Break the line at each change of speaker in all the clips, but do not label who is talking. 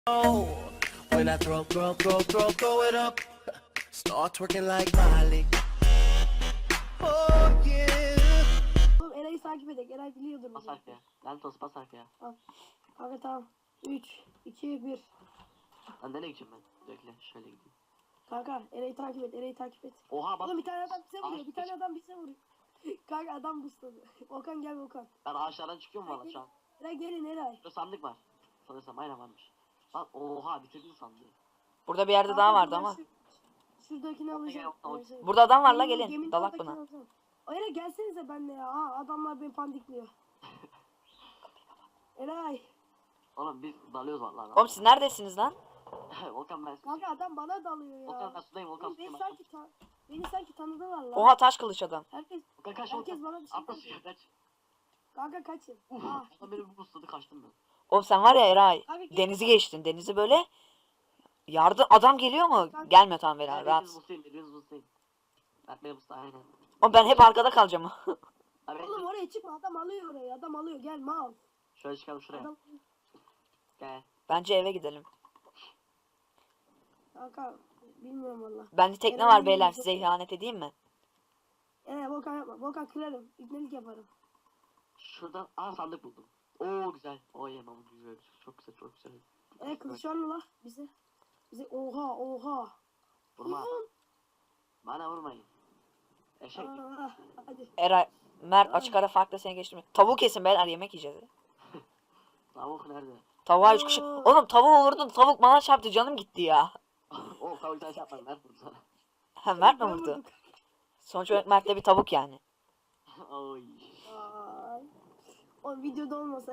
When I throw it up, start twerking like Miley. Oh yeah.
Oğlum Eray'ı takip edek. Eray biliyordur.
Bas arkaya. Lanet olsun bas arkaya.
Kanka tamam. 3, 2, 1.
Lan nereye gideceğim ben? Bekle şöyle gideyim.
Kanka Eray'ı takip et. Eray'ı takip et.
Oha bak.
Oğlum bir tane adam bize vuruyor.
Ağaç
Bir tane adam bize vuruyor. Kanka adam busladı. Volkan gel Volkan.
Ben ağaçlardan çıkıyorum valla şu an.
Eray gelin Eray.
Şurada sandık var. Sanırsam aynen varmış. Lan oha bitirdin sandığı.
Burada bir yerde daha vardı ama.
Şuradakini alacağım.
Burada adam var la
Geminin
gelin. Dalak
oradakini
buna.
alacağım. Eray gelsenize benimle ya. Aa, adamlar beni pandikliyor. Eray.
Oğlum biz dalıyoruz valla.
Oğlum siz neredesiniz lan?
Volkan ben.
Kanka adam bana dalıyor ya.
Volkan ben sudayım Volkan
Oğlum,
sudayım.
beni sanki tanıdılar lan.
Oha taş kılıç adam.
Herkes
Volkan kaç
herkes
Volkan.
bana bir şey
Atla
yapıyor.
suya kaç.
Kanka kaçın. Ah.
Adam beni bu busladı kaçtım ben.
Oğlum sen var ya Eray.
Abi gel.
Denizi geçtin. Denizi böyle. Yardım adam geliyor mu? Gelmiyor tamam beyler rahat.
Birbiriniz buslayın. Ben beni busla aynen.
Oğlum ben hep arkada kalacağım.
Abi
Oğlum oraya çıkma, adam alıyor orayı, adam alıyor, gel mal.
şöyle çıkalım şuraya.
Adam...
Gel.
Bence eve gidelim.
Kanka bilmiyorum valla.
Bende tekne
Eve
var
gidelim.
beyler size ihanet edeyim mi?
Volkan yapma, Volkan kırarım, ibnelik yaparım.
Şuradan sandık buldum. Oo güzel. Oo yemem güzel. Çok güzel çok güzel.
Kılıç var mı la bize? Bize oha.
Vurma.
Ulan.
Bana vurmayın. Eşek.
Hadi.
Eray Mert açık ara farklı seni geçtim. Tavuğu kesin beyler yemek yiyeceğiz.
Tavuk nerede?
Tavuğa 3 kişi. Oğlum tavuğu vurdun tavuk bana çarptı canım gitti ya.
Oo tavuk taş yapmadım ben vurdum sana.
Ha Mert mi
Ben
vurdu?
vurdum.
Sonuç olarak Mert de bir tavuk yani.
Oy.
Ay. O videoda olmasa.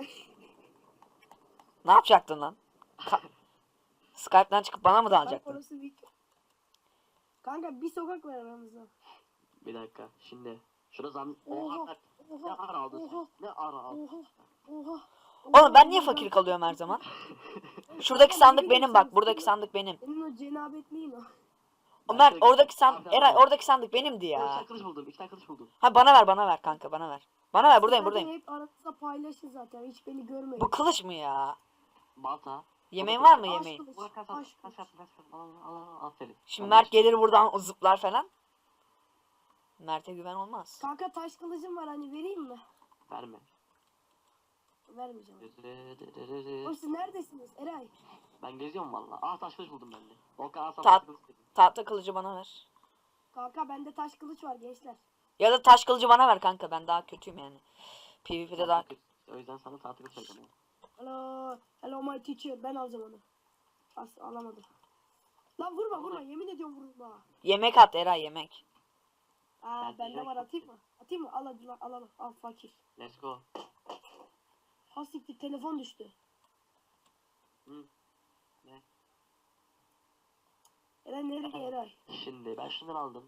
Ne yapacaktın lan? Skype'den çıkıp bana mı
Bak
dalacaktın?
orası video. Kanka bir sokak var aramızda.
Bir dakika şimdi. Şurada zam...
Oha.
Oha. Ne ara aldın sen? Ne ara aldın?
Oha.
Oğlum ben niye fakir kalıyorum her zaman? Şuradaki sandık benim bak. Buradaki sandık benim.
Senin o cenabetliğin o.
O Mert oradaki sandık. Eray oradaki sandık benimdi
İki tane
ya.
kılıç buldum. İki tane kılıç buldum.
Ha bana ver kanka bana ver. Bana ver buradayım
Zaten
buradayım.
hep aranızda paylaşın zaten, hiç beni görmeyin.
Bu kılıç mı ya?
Balta.
Yemeğin var mı
Aşk
yemeğin?
kılıç,
Bu kaç
aşk
kaç
kılıç.
kaç al aferin.
Şimdi Mert gelir buradan zıplar falan. Mert'e güven olmaz.
Kanka taş kılıcım var, hani vereyim mi?
Verme.
Vermeyeceğim. Oğlum siz neredesiniz Eray?
Ben geziyorum valla. Taş kılıç buldum ben de. Volkan al sana
Tat-
taş kılıç dedim.
Tahta kılıcı bana ver.
Kanka bende taş kılıç var gençler.
Ya da taş kılıcı bana ver kanka ben daha kötüyüm yani. PvP'de daha
O yüzden sana tahta kılıç vereceğim.
Hello my teacher, ben alacağım onu. Alamadım. Lan vurma, yemin ediyorum vurma.
yemek at Eray yemek.
Ben
Bende
direkt
var, atayım mı? Atayım mı? Al hadi lan, al fakir.
Let's go.
Ha siktir, telefon düştü.
Hı. Ne?
Eray nereye Eray?
Şimdi ben şundan aldım.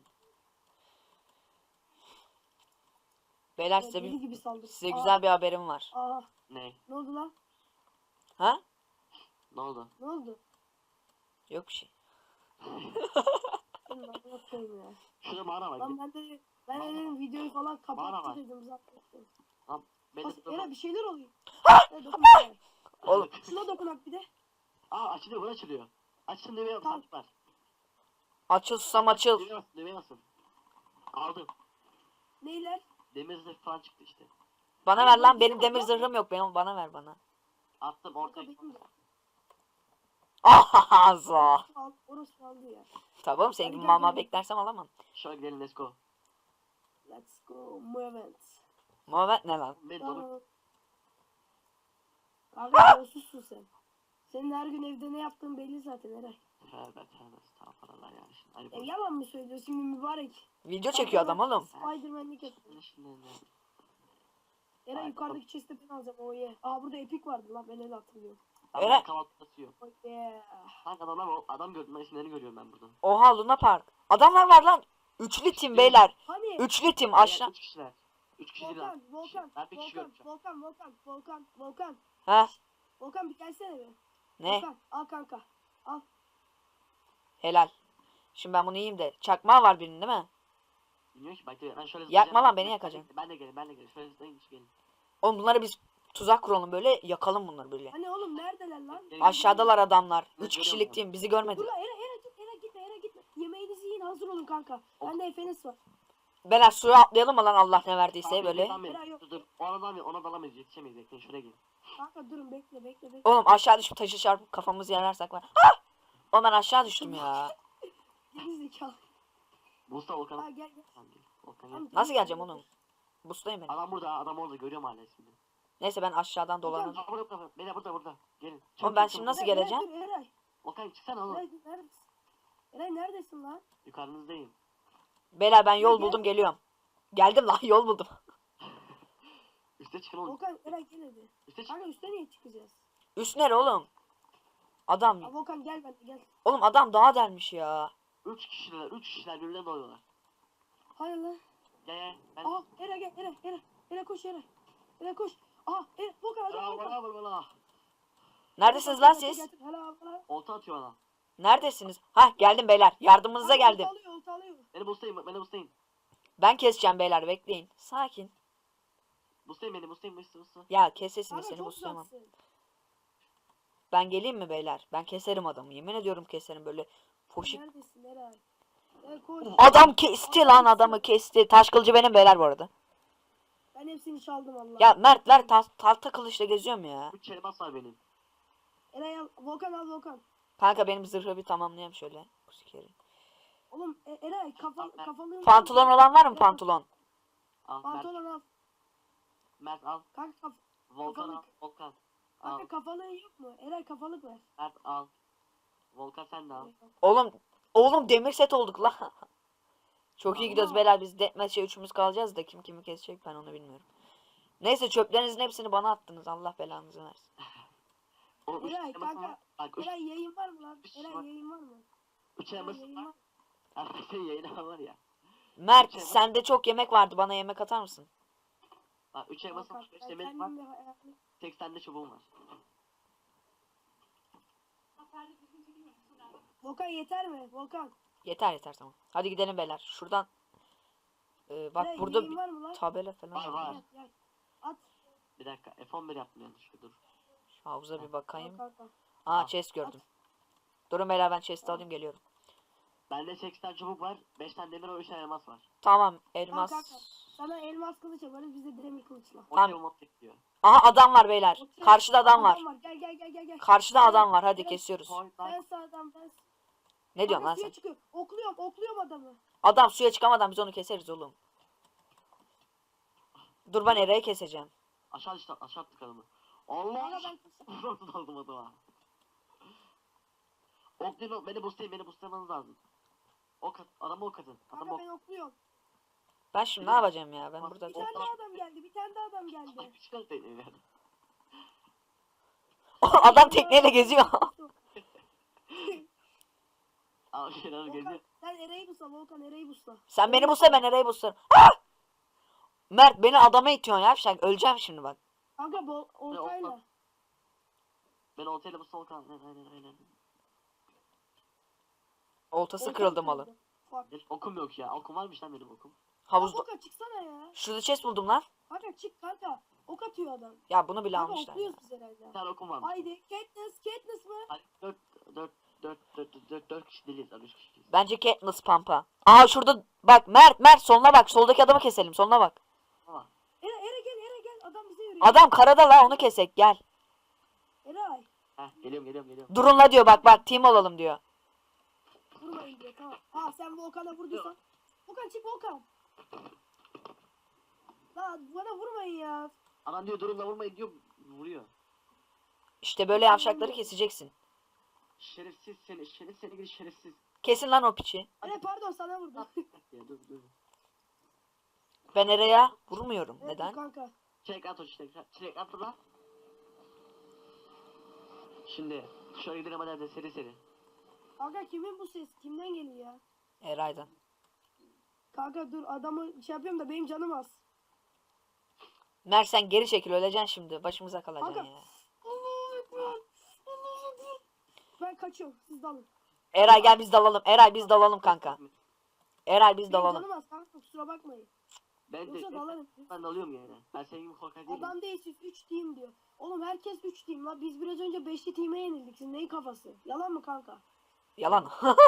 Beyler
Deli gibi saldır.
size güzel bir haberim var.
Ne?
Ne oldu lan?
Ha?
Ne oldu?
Ne oldu?
Yok bir şey.
Senin amına koyayım ya.
Şurada mağara var.
Lan ben dedim videoyu falan
Mağara
kapattı
var.
dedim zaten.
Lan benim
Eray bir şeyler oluyor. Dokun Eray.
Oğlum
Şuna dokunak bir de.
açılıyor bu açılıyor. Açın düğmeye
Tamam.
basın var.
açıl susam açıl.
Düğmeye basın. Aldım.
Neyler?
Demir zırh falan çıktı işte.
Bana ver lan benim demir zırhım yok benim bana ver bana.
Attım
Kanka
ortaya.
benim de.
Ahaza.
Orası aldı ya.
Tamam senin
Hadi
gibi
gel,
mama
gel.
beklersem alamam.
Şöyle gidelim let's go.
Let's go movement.
Muhammed ne lan?
Ben dolu.
Kanka yolsuzsun sen. Senin her gün evde ne yaptığın belli zaten Eray.
Tövbe estağfurullah yani şimdi. Hadi
Yalan mı söylüyorsun şimdi mübarek?
Video çekiyor adam oğlum.
Spiderman'lik yapıyor.
Şimdi
Eray yukarıdaki chest'e ben alacağım o ye. Burada epik vardı lan, ben öyle hatırlıyorum.
Eren-
kahvaltı atıyor.
Oh yeah.
Kanka adam gördüm ben isimlerini görüyorum ben burada.
Oha Luna Park. Adamlar var lan. Üçlü tim beyler.
Hani?
Üçlü tim aşağı.
3 kişiler. 3 kişi değil lan.
Volkan,
Ben bir kişi görmüşüm.
Volkan.
Ha
Volkan bir gelsene be.
ne?
Volkan al kanka. Al.
Helal. Şimdi ben bunu yiyeyim de. Çakmağı var birinin değil mi?
Bilmiyorum ki ben şöyle
Yakma lan, beni yakacaksın.
Ben de gelin. Şöyle zıplayın gelin.
Oğlum bunları biz tuzak kuralım böyle, yakalım bunları böyle.
Hani oğlum neredeler lan?
Aşağıdalar adamlar.
Ben
3 kişilik
görüyorum
team, bizi görmedi.
Dur lan Era gitme Era gitme. Yemeğinizi yiyin, hazır olun kanka. Bende Efenes var.
Beyler suya atlayalım mı lan, Allah ne verdiyse
Tamam,
böyle.
tamam,
Eray yok.
Dur. Ona dalamayız. Yetişemeyiz. Bekleyin şuraya gelin.
Kanka durun bekle.
Oğlum aşağı düşüp taşı çarpıp kafamızı yararsak var. Ah! Oğlum ben aşağı düştüm ya.
Geri zekalı.
Mustafa Volkan.
Ha gel.
Tamam, gel. Volkan gel.
Tamam,
Nasıl
gel.
geleceğim oğlum? Bustayım ben.
Adam burada. Adam orada. Görüyorum hala ismini.
Neyse ben aşağıdan dolanırım.
Aa, burada. Beyler burada. Gelin.
Oğlum ben şimdi nasıl
Eray,
geleceğim?
Eray, dur, Eray.
Volkan çıksana oğlum.
Eray neredesin? Eray neredesin lan?
Yukarınızdayım.
Beyler ben yol
Gel.
buldum, geliyorum. Geldim lan, yol buldum.
Üste çıkın oğlum.
Volkan Eray gel hadi.
Üste çık.
Kanka üstte niye çıkacağız?
Üst nere oğlum? Adam.
Ha, Volkan gel gel.
Oğlum adam daha delmiş ya.
3 kişiler birbirine doluyorlar.
Hayır lan.
Gel. Ben...
Aha Eray gel Eray koş Eray. Eray koş. Aha Eray Volkan adam Volkan.
Bana.
Neredesiniz lan siz?
Hala.
Olta atıyor bana.
Neredesiniz? Hah geldim beyler. Yardımınıza geldim.
Olta alıyor.
Beni boostlayın.
Ben keseceğim beyler, bekleyin. Sakin.
Boostlayın beni.
Ya kes sesini,
Kanka
seni
çok
buslayamam.
uzaksın.
Ben geleyim mi beyler? Ben keserim adamı. Yemin ediyorum keserim böyle. Poşik.
Neredesin Eray? Eray koş.
Adam kesti lan, adamı kesti. Taş kılıcı benim beyler bu arada.
Ben hepsini çaldım Allah.
Ya Mert ver, tahta kılıçla geziyorum ya.
3 elmas var benim.
Eray al Volkan.
Kanka benim zırhı bir tamamlayayım şöyle. Bu sikeri.
Oğlum Eray kafalığın.
Pantolon olan var mı, pantolon?
Al
Pantolon al.
Mert al.
Kanka
Volkan al.
kafalık.
Volkan. Al.
Kanka kafalığın yok mu? Eray kafalık ver.
Mert al. Volkan sen de al.
Oğlum demir set olduk lan. Çok iyi
Allah.
gidiyoruz beyler, biz deathmatch'e üçümüz kalacağız da kim kimi kesecek ben onu bilmiyorum. Neyse çöplerinizin hepsini bana attınız, Allah belanızı versin.
Oğlum 3
Eray
elmasım var.
kanka.
Bak 3
Eray yayın var mı lan?
Üç
Eray
var.
yayın var mı? Eray
elmasım
yayın
var.
var.
Artık senin yayına var ya.
Mert
Üç elmas-
sende çok yemek vardı, bana yemek atar mısın?
Bak 3 elmasım var. 5
Ben
demir var.
kendim de hayatım.
80 de çubuğum var.
Volkan yeter mi? Volkan.
Yeter tamam. Hadi gidelim beyler. Şuradan. Bak
Eray,
burada
yayın
bir
var mı lan?
tabela falan
Var,
var.
var.
Gel. At.
Bir dakika. F11 yaptım yanlışlıkla dur.
Şu havuza bir bakayım.
Kanka.
Aa chest gördüm. Durun beyler, ben chest'i alayım geliyorum.
Bende 80 çubuk var. 5 tane demir var. 3 tane elmas var.
Tamam elmas.
Kanka. Sana elmas kılıç yaparız, biz de demir kılıçla.
O
Tamam.
şey mod bekliyor.
Aha adam var beyler.
Okey.
Karşıda adam var.
Gel.
Karşıda adam var, hadi
Eray,
kesiyoruz.
Ben sağdan ben.
Ne diyorsun lan
Suya
sen?
çıkıyor. Okluyorum adamı.
Adam suya çıkamadan biz onu keseriz oğlum. Dur ben Eray'ı keseceğim.
Aşağı attık adamı.
Kanka
Allah!
ben
Nasıl aldım adama? Oklayın, beni boostlamanız lazım. Adamı ok atın. Adamı
Kanka
ok.
ben okluyorum.
Ben şimdi ne yapacağım ya? Ben burada...
Bir tane daha adam geldi.
Ay, çıkar tekneyi ver.
Adam tekneyle geziyor.
Al şeyler
Volkan
geziyor.
sen Eray'ı busla Volkan, Eray'ı busla.
Sen beni bulsa ben Eray'ı bulsam. Ah! Mert beni adama itiyorsun ya. Şak, öleceğim şimdi bak.
Kanka oltayla.
Ben oltayla bu sol kan. Aynen.
Oltası kırıldı malı.
Fuck.
Okum yok ya. Okum varmış lan benim okum.
Havuzda.
Volkan çıksana ya.
Şurada chest buldum lan.
Kanka çık kanka. Ok atıyor adam.
Ya bunu bile
Kanka
almışlar.
okluyoruz biz herhalde.
Bir tane okum varmış.
Haydi Katniss mı?
Hayır, 4 kişi değiliz. 3 kişiyiz.
Bence Katniss Pampa. Aa şurada bak Mert soluna bak. Soldaki adamı keselim. Soluna bak.
Ama
Eray gel. Adam bize yürüyor.
Adam karada la, onu kesek gel.
Eray.
geliyorum.
Durun diyor bak team olalım diyor.
Vurmayın diyor tamam. Aa sen Volkan'a vurduysan. Volkan çık Volkan. Lan bana vurmayın ya.
Adam diyor durun da vurmayın diyor. Vuruyor.
İşte böyle yavşakları keseceksin.
Şerefsiz seni gidi şerefsiz.
Kesin lan o piçi.
Eray pardon sana vurdu.
Ya dur.
Ben Eray'a vurmuyorum.
Evet,
Neden?
Kanka.
Çilek at o çilek at lan. Şimdi şöyle gidelim hadi seri.
Kanka kimin bu ses? Kimden geliyor ya?
Eray'dan.
Kanka dur adamı şey yapıyorum da benim canım az.
Mert sen geri çekil, öleceksin şimdi. Başımıza kalacaksın
Kanka.
ya.
Allahu Ekber. Ben kaçıyorum. Siz dalın.
Eray gel biz dalalım. Eray biz dalalım kanka. Eray biz
Benim
dalalım.
canım az kanka kusura bakmayın.
Ben de
Yoksa dalarım.
ben de alıyorum yani. Ben senin gibi korkak değilim.
Adam değil siz 3 team diyor. Oğlum herkes 3 team la. Biz biraz önce 5'li team'e yenildik. Sizin neyin kafası? Yalan mı kanka?
Yalan.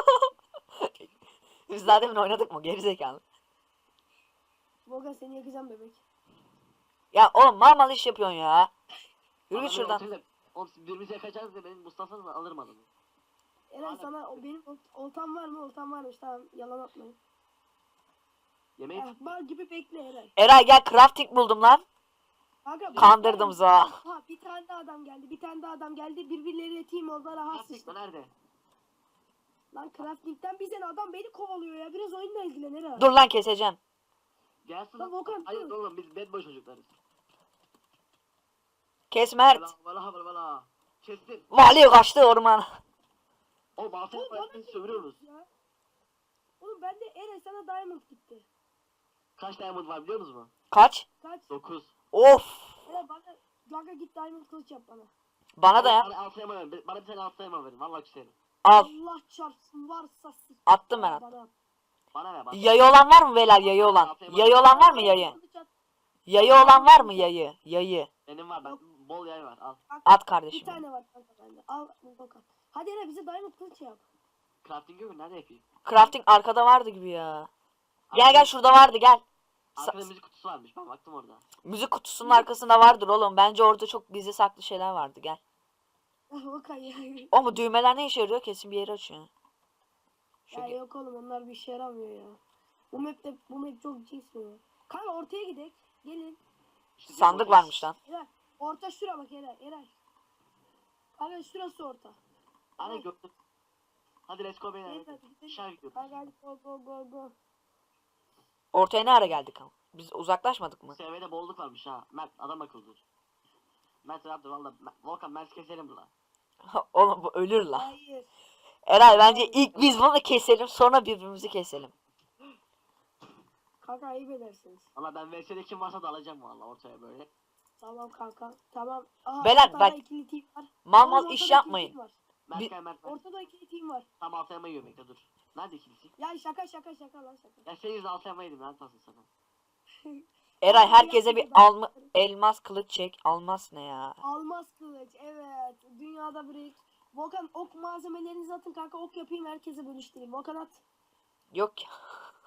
Biz daha demin oynadık mı? Gerizekalı.
Volkan seni yakacağım bebek.
Ya oğlum mal iş yapıyorsun ya. Yürü git
Adamı
şuradan.
ortayla- Oğlum siz birbirimizi yakacağız diye benim Mustafa'dan alırım adamı.
Eren
Aynen.
sana benim oltam var mı? Oltam varmış. Tamam yalan atmayın.
Yemeği
Mal gibi bekle Eren.
Eray gel crafting buldum lan.
Kanka,
Kandırdım za.
Ha bir tane daha adam geldi. Bir tane daha adam geldi. Birbirleriyle team oldular. Rahat
Gerçekten
sıçtı.
nerede?
Lan crafting'den bir sene adam beni kovalıyor ya. Biraz oyunla ilgilen Eren.
Dur lan keseceğim.
Gelsin.
Lan Volkan,
Hayır
dur.
oğlum biz bad boy çocuklarız.
Kes Mert.
Valla. Kestim.
Vali kaçtı ormana.
O baltaya
Oğlum, bana
koyup bizi sövürüyoruz.
Ya. Oğlum ben de Eren sana diamond gitti.
Kaç diamond var biliyor musunuz?
Kaç?
Kaç?
9.
Of.
Eren bana Gaga git diamond kılıç yap bana.
Bana da yap.
Bana altı elma verin. Bana bir tane altı elma verin. Valla küserim.
Al.
Allah çarpsın varsa sık.
Attım ben,
Bana at.
Bana ver bana.
Yayı olan var mı beyler? Yayı olan. Yayı olan var mı yayı?
Kılıç at.
Yayı olan var mı yayı? Yayı.
Benim var. Ben bol yay var. Al.
At
Bir
kardeşim.
tane var kanka bende. Al Volkan. Hadi Eren bize diamond kılıç yap.
Crafting yok mu? Nerede yapayım?
Crafting arkada vardı gibi ya. Gel gel şurada vardı gel.
Arkada müzik kutusu varmış. Ben baktım orada.
Müzik kutusunun arkasında vardır oğlum. Bence orada çok gizli saklı şeyler vardı. Gel.
Volkan ya.
O mu düğmeler ne işe yarıyor? Kesin bir yeri açıyor. Şu
Ya yok oğlum onlar bir işe yaramıyor ya. Bu map çok cins ya. Kanka ortaya gidek. Gelin.
İşte
sandık
orada-
varmış lan.
Eren. Orta şura bak Eren. Kanka şurası orta.
Anne gördüm. Hadi let's go beyler.
Evet,
hadi.
hadi gidelim.
Dışarı gidiyoruz.
Kanka hadi go.
Ortaya ne ara geldik ama? Biz uzaklaşmadık mı?
SV'de bolluk varmış ha. Mert adam akıllıdır. Mert yaptı valla. Volkan Mert keselim la.
Oğlum bu ölür la.
Hayır.
Eray bence ilk biz bunu keselim sonra birbirimizi keselim.
Kanka ayıp edersiniz.
Valla ben VS'de kim varsa da alacağım valla ortaya böyle.
Tamam kanka. Tamam. Aha,
Beyler,
ortada
bak,
ikili team var.
Mal
Oğlum,
mal iş
ortada
yapmayın.
ikili team var.
Mert
Bir-
gel Mert. Mert.
Ortada ikili team var.
Tam altı elma yiyor bekle dur. Nerede ikilisi?
Ya şaka lan şaka.
Ya senin yüzünden altı elma yedim lan tasın sana.
Eray herkese bir elmas kılıç çek. Almaz ne ya?
Almaz kılıç evet. Dünyada bir ilk. Volkan ok malzemelerinizi atın kanka ok yapayım herkese bölüştüreyim. Volkan at.
Yok ya.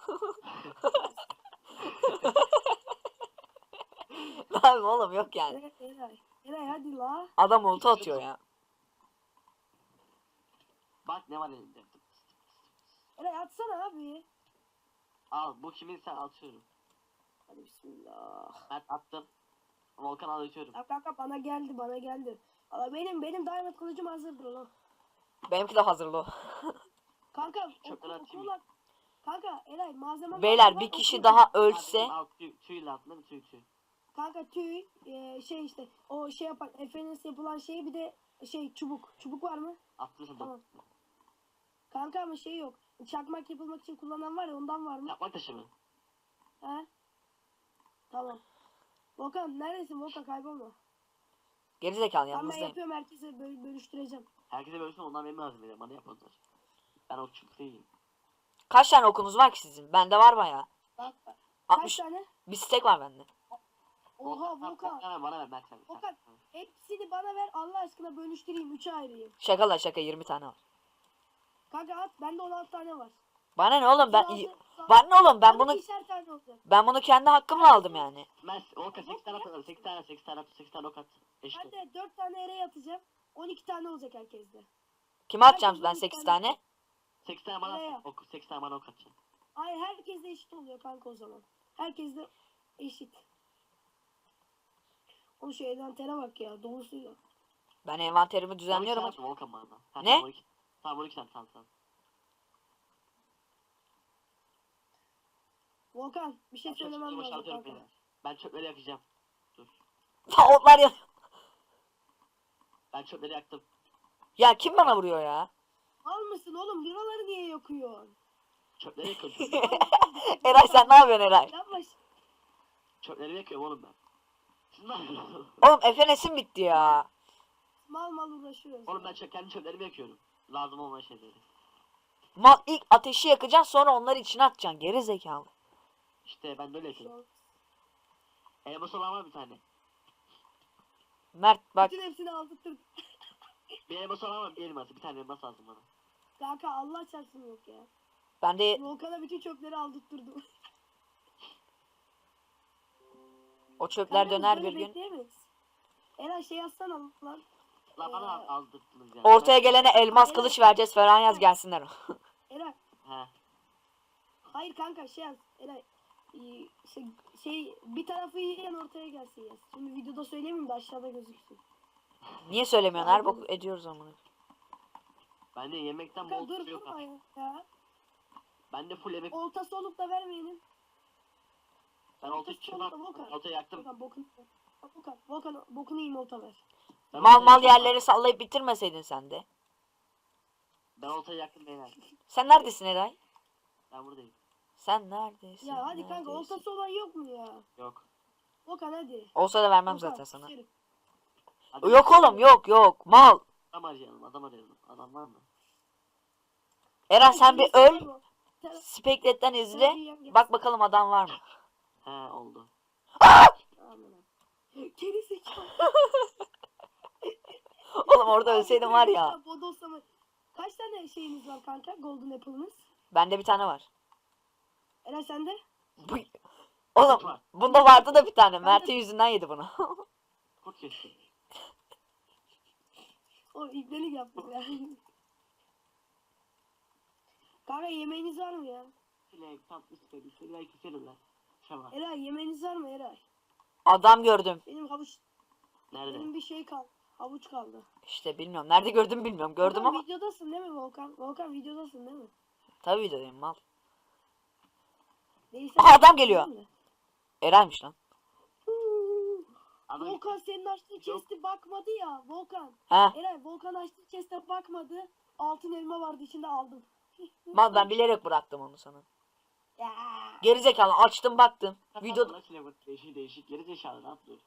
Abi oğlum yok yani.
Eray hadi la.
Adam ulti atıyor ya.
Bak ne var elimde.
Eray atsana abi.
Al bu kimin sen atıyorum.
Hadi bismillah.
Mert attım. Volkan al atıyorum.
Ya kanka bana geldi. Ama benim diamond kılıcım hazırdır lan.
Benimki de hazırlı.
Kanka
Çöpleri atayım.
okula. Kanka Eray malzeme
Beyler
var,
bir kişi
okul-
daha ölse.
Al tüyle attın değil mi tüy.
Kanka tüy şey işte o şey yapan FNS yapılan şey bir de şey çubuk. Çubuk var mı?
Attım sen
Tamam.
dur.
Kanka ama şey yok. Çakmak yapılmak için kullanan var ya ondan var mı?
Yapmak taşı mı?
He? Tamam. Volkan neredesin Volkan kaybolma.
Gerizekalı
Tamam ben
yanınızdayım.
yapıyorum herkese bölüştüreceğim.
Herkese bölsün ondan benim lazım benim. Bana yapmadılar. Ben o çubuk değilim.
Kaç tane okunuz var ki sizin? Bende var bayağı.
Bak, kaç
60
tane?
bir stek var bende.
Oha Volkan.
Bana ver Mert sen.
Volkan hepsini bana ver Allah aşkına bölüştüreyim 3'e ayırayım.
Şaka la şaka 20 tane var.
Kanka at bende 16 tane var.
Bana ne oğlum ben
36
bana ne oğlum ben
Bana
bunu
ikişer tane olacak.
ben bunu kendi hakkımla aldım yani.
Mert Volkan 8 tane atalım. 8 tane ok at. Eşit.
Ben de 4 tane yere atacağım. 12 tane olacak herkeste.
Kime atacağım
Herkes
ben
12
8
tane.
tane?
8 tane bana
Nereye?
at. 8 tane bana ok atacağım.
Hayır herkes de eşit oluyor kanka o zaman. Herkes de eşit. Oğlum şu envantere bak ya dolusuyla.
Ben envanterimi düzenliyorum.
12 tane Volkan bana. Ha,
Ne?
Tamam 12 tane tamam.
Volkan bir şey
Ben çöpleri
söylemem lazım
boşaltıyorum
kanka.
beyler. Ben çöpleri yakacağım. Dur.
Ta otlar ya.
Ben çöpleri yaktım.
Ya kim bana vuruyor ya?
Al mısın oğlum liraları niye yakıyorsun?
Çöpleri yakıyorum.
Eray sen ne yapıyorsun Eray?
Yapma.
Çöpleri yakıyorum oğlum ben. Siz ne yapıyorsunuz?
Oğlum FNS'im bitti ya.
Mal uğraşıyoruz.
Oğlum ben kendi çöplerimi yakıyorum. Lazım olmayan şeyleri.
Mal ilk ateşi yakacaksın sonra onları içine atacaksın geri zekalı.
İşte ben böyle yapıyorum. Elmas olan var bir tane.
Mert bak.
Bütün hepsini aldırttırdım.
Bir elmas olan var, bir elması. Bir tane elmas lazım bana.
Kanka Allah çarpsın yok ya.
Ben de
Volkan'a bütün çöpleri aldırttırdım.
o çöpler
Kanka,
döner
böyle
bir gün.
bekleyemeyiz. Eren şey yazsana lan.
La bana aldırttınız yani.
Ortaya gelene elmas kılıç vereceğiz falan yaz gelsinler.
Eren.
He.
Hayır kanka şey yaz. Eren. Şey bir tarafı yiyen ortaya gelsin yaz. Şimdi videoda söylemeyeyim de aşağıda gözüksün.
Niye söylemiyorsun? Her bok ediyoruz onu.
Ben de yemekten
Kanka
bol
dur
şey yok.
durma ya.
Ben de full yemek.
Oltası olup da vermeyenin.
Ben olta çıkmam. Olta yaktım.
Volkan bokunu yiyeyim olta ver.
Ben
Mal
oltayı
mal
yaktım.
yerleri sallayıp bitirmeseydin sen de.
Ben oltayı yaktım beyler.
Sen neredesin Eray?
Ben buradayım.
Sen neredesin?
Ya hadi kanka
neredesin?
oltası olan yok mu ya?
Yok.
Volkan hadi.
Olsa da vermem
Volkan,
zaten sana.
şerif.
Hadi.
Yok oğlum yok mal.
Adam arayalım. Adam arayalım. Adam var mı?
Eren sen bir öl.
Bu. Sen-
Spectre'den izle.
sen yiyen gel.
Bak bakalım adam var mı?
He oldu.
Aman abi. Geri zekalı.
Oğlum orada ölseydin var ya.
Bodoslama. Kaç tane şeyiniz var kanka? Golden Apple'ınız.
Bende bir tane var.
Eren sende?
Bu- Oğlum bunda vardı da bir tane. Mert'in yüzünden yedi bunu.
Kurt kesti.
O ibnelik yaptım ya. Kanka yemeğiniz var mı ya?
Çilek, tatlı istedim. Çilek keselim lan. Şama.
Eray yemeğiniz var mı Eray?
Adam gördüm.
Benim havuç,
Nerede?
benim bir şey kaldı. Havuç kaldı.
İşte bilmiyorum. Nerede gördüm bilmiyorum. Gördüm
Volkan,
ama.
videodasın değil mi Volkan? Volkan videodasın değil mi?
Tabii videodayım mal.
Değilse
Aha, adam geliyor.
değil mi?
Eray'mış lan.
Adam
Volkan senin açtığın chest'e bakmadı ya. Volkan.
Ha.
Eray Volkan açtığı chest'e bakmadı. Altın elma vardı içinde aldım.
Mal ben bilerek bıraktım onu sana.
Ya.
Gerizekalı açtım baktım. Video
Videoda çilek değişik değişik. Geri zekalı ne yapıyor?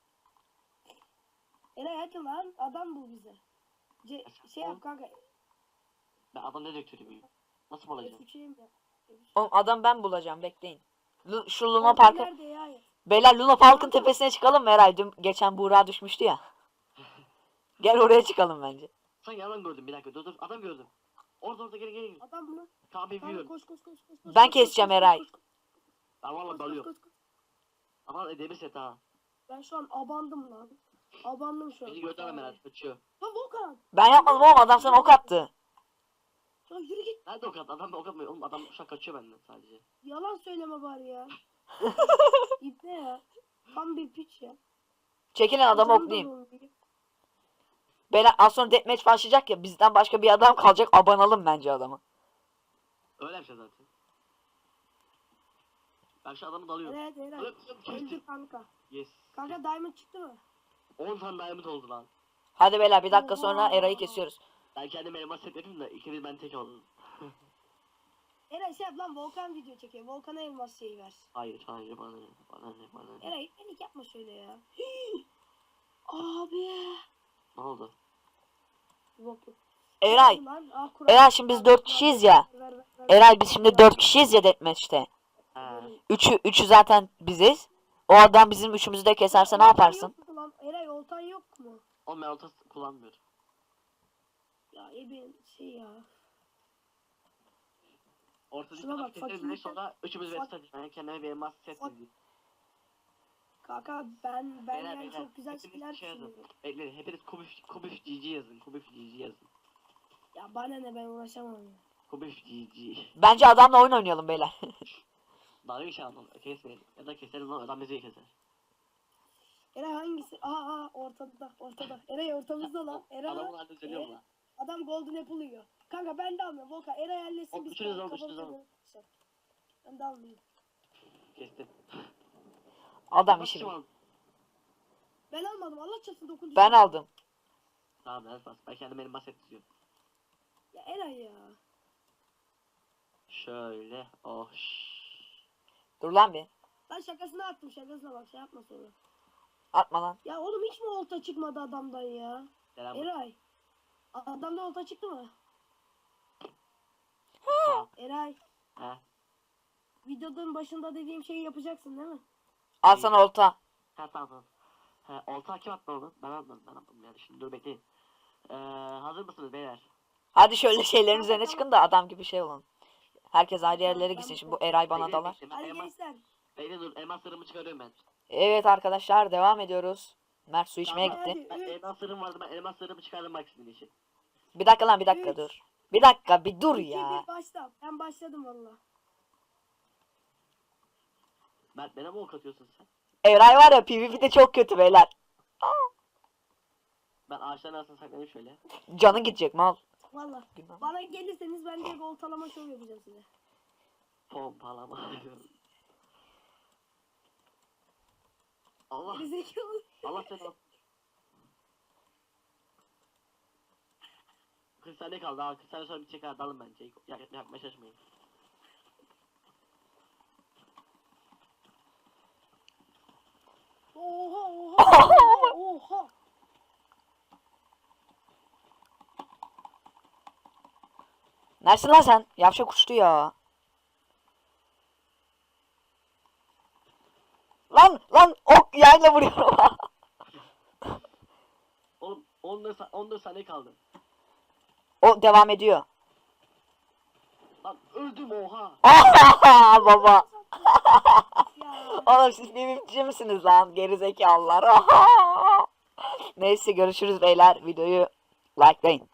Eray hadi lan adam bul bize. Şey yap kanka.
Ben adam ne döktürüyüm? Nasıl bulacağım?
F3'eyim ya.
oğlum adam ben bulacağım bekleyin. Şu Luna
Volkan
Park'ın
nerede ya?
Beyler Luna Park'ın tepesine çıkalım mı Eray? Dün geçen Buğra düşmüştü ya. Gel oraya çıkalım bence.
Sen yalan gördüm bir dakika. Dur adam gördüm. Orada geri.
Adam mı?
Kahve
Kanka
yiyorum.
koş.
Ben keseceğim Eray.
Ben valla
Koş.
dalıyorum. Adam edemi set ha.
Ben şu an abandım lan. Abandım şu an.
Beni gördü adam herhalde kaçıyor.
Lan Volkan.
Ben yapmadım oğlum adam sana ok attı.
Ya yürü git.
Nerede ok attı? Adam da ok atmıyor. Oğlum adam şu an kaçıyor benden sadece.
Yalan söyleme bari ya. İbne ya. Tam bir piç ya.
Çekilin adamı
Canım da
oklayayım.
dolmuyor.
Beyler az sonra deathmatch başlayacak ya bizden başka bir adam kalacak abanalım bence adamı.
Öyle bir şey zaten. Ben şu adamı dalıyorum.
Evet evet. Öldü kanka.
Yes.
Kanka diamond çıktı mı?
10 tane diamond oldu lan.
Hadi beyler bir dakika sonra
Oha.
Eray'ı kesiyoruz.
Ben kendime elmas set yapayım da ikimiz ben tek oldum.
Eray şey yap lan Volkan video çekiyor. Volkan'a elmas şeyi ver.
Hayır bana ne.
Eray panik yapma şöyle ya. Abi.
Ne oldu?
Yok.
Eray.
Lan, Kur'an.
Eray şimdi biz 4 kişiyiz ya.
Ver.
Eray biz şimdi 4 kişiyiz ya deathmatch'te.
He.
Üçü zaten biziz. O adam bizim üçümüzü de keserse ne
Oltan
yaparsın?
yok mu lan? Eray oltan yok mu?
Oğlum ben olta kullanmıyorum.
Ya eben şey ya.
Ortadaki
Şuna
adam
bak,
keseriz
fakirlikten-
sonra üçümüz
Fak-
vs atacağız. Ben kendime bir elmas set
Fak-
dizeyim.
Kanka ben
Beyler,
yani çok güzel
hepiniz
şeyler
şey yazın.
düşünüyorum.
Bekleyin hepiniz Kubif GG yazın. Kubif GG yazın.
Ya bana ne ben uğraşamam ya.
Kubif GG.
Bence adamla oyun oynayalım beyler.
Dalga bir şey anlam. Kesmeyin. Ya da keseriz lan adam bizi keser.
Eray hangisi? Aa ortada. Eray ortamızda lan. Eray.
Adamın halde söylüyorum lan.
Adam golden apple yiyor. Kanka ben de almıyorum. Volkan Eray halletsin
Hop,
biz.
üçünüz alın,
kafamıza
üçünüz alın.
göre yapacağız. Ben de almayayım.
Kestim.
Adam
Bak
işi.
kim aldı?
Ben almadım. Allah çarpsın 9.
Ben aldım.
Tamam ben bas. Ben kendime elmas set diziyorum.
Ya Eray ya.
Şöyle. Oh.
Dur lan bir.
Ben şakasına attım. Şakasına bak şey yapma sonra.
Atma lan.
Ya oğlum hiç mi olta çıkmadı adamdan ya?
Selam.
Eray. Adamdan olta çıktı mı? Eray.
He.
Videonun başında dediğim şeyi yapacaksın değil mi?
Al sana olta.
Ha tamam. Ha, olta kim attı onu? Ben atmadım yani. Şimdi dur bekleyin. Hazır mısınız beyler?
Hadi şöyle şeylerin üzerine çıkın da adam gibi şey olun. Herkes ayrı yerlere gitsin. Şimdi bu Eray bana
Bekleyin,
dalar.
bekleyin. Ben
Hadi
elmas,
gençler.
bekleyin dur. Elmaslarımı çıkarıyorum ben.
Evet arkadaşlar devam ediyoruz. Mert su içmeye
Tamam.
gitti.
Ben elmaslarım vardı. Ben elmaslarımı çıkardım bak sizin için.
Bir dakika lan bir dakika
Üç.
dur. Bir dakika bir dur
2
ya.
1 başla. Ben başladım valla.
Mert bana mı ok atıyorsun sen?
Eray var ya PvP'de çok kötü beyler.
Ben ağaçların arasına saklanayım şöyle.
Canın gidecek mal.
Valla.
Günah.
Bana gelirseniz ben de oltalama şov yapacağım size.
Pompalama. Allah.
Gerizekalı.
Allah seni al. 40 saniye kaldı ha. 40 saniye sonra bitecek ha. Dalın bence. Yapmaya şaşmayın.
Oha oha. Oha.
Neresin lan sen? Yavşak uçtu ya. Lan ok yayla vuruyorum.
Oğlum 14 saniye kaldı.
O devam ediyor.
Lan öldüm oha.
Baba.
Ya.
Oğlum siz PvP'ci misiniz lan? Gerizekalılar. Neyse görüşürüz beyler. Videoyu likelayın.